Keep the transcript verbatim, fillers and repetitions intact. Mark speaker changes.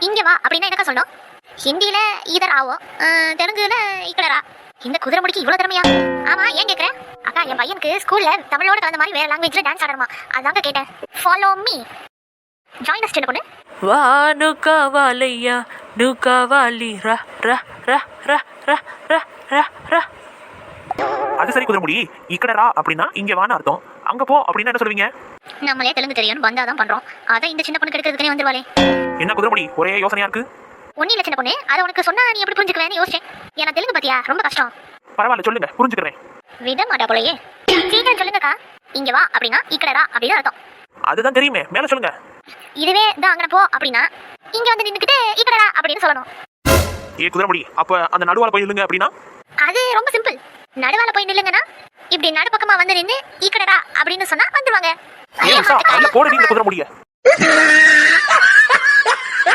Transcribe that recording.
Speaker 1: இங்க வா அப்படின்னா என்னக்கா சொல்லணும்? ஹிந்தியில ஈதர் ஆவோ, தெலுங்குல இக்கடரா. இந்த குதிரை முடிக்கு இவ்வளவு திறமையா? ஆமா, ஏன் கேக்குறேன்? அக்கா, என் பையனுக்கு ஸ்கூல்ல தமிழோட கலந்த மாதிரி வேற லாங்குவேஜ்ல டான்ஸ் ஆடணுமா, அதாங்க கேட்டேன். Follow me, join us. சின்ன பொண்ணு
Speaker 2: வா நுகா வாலையா நுகா வாலி ரா ரா ரா ரா ரா ரா ரா ரா.
Speaker 3: அது சரி குதிரை முடி, இக்கடரா அப்படின்னா இங்க வான்னு அர்த்தம். அங்க போ அப்படின்னா என்ன சொல்லுவீங்க?
Speaker 1: நம்மளே தெலுங்கு தெரியும் பந்தாதான் பண்றோம், அதை இந்த சின்ன பொண்ணு கெடுக்கிறதுக்கே வந்துருவாளே.
Speaker 3: என்ன குதிரை முடி, ஒரே யோசனையா இருக்கு?
Speaker 1: ஒன்னும் இல்ல சின்ன பொண்ணு, அதை உனக்கு சொன்னா நீ எப்படி புரிஞ்சுக்குவேன்னு யோசிச்சேன். ஏன்னா தெலுங்கு பத்தியா ரொம்ப கஷ்டம்.
Speaker 3: பரவாயில்ல, சொல்லுங்க, புரிஞ்சுக்கிறேன்.
Speaker 1: விட மாட்டா போலயே. சீக்கிரம் சொல்லுங்கக்கா. இங்க வா அப்படின்னா இக்கடரா அப்படின்னு அர்த்தம்.
Speaker 3: அதுதான் தெரியுமே, மேல சொல்லுங்க.
Speaker 1: இதுவே தான் அங்க போ அப்படின்னா இங்க வந்து நின்னுக்கிட்டு இக்கடரா அப்படின்னு சொல்லணும்.
Speaker 3: ஏ குதிரை முடி, அப்ப அந்த நடுவால போய் நில்லுங்க அப்படின்னா?
Speaker 1: அது ரொம்ப சிம்பிள். நடுவால போய் நில்லுங்கன்னா இப்படி நடுப்பக்கமா வந்து நின்று இக்கடரா அப்படின்னு சொன்னா வந்துருவாங்க.
Speaker 3: ஏன் போட இந்த குதிரை முடிய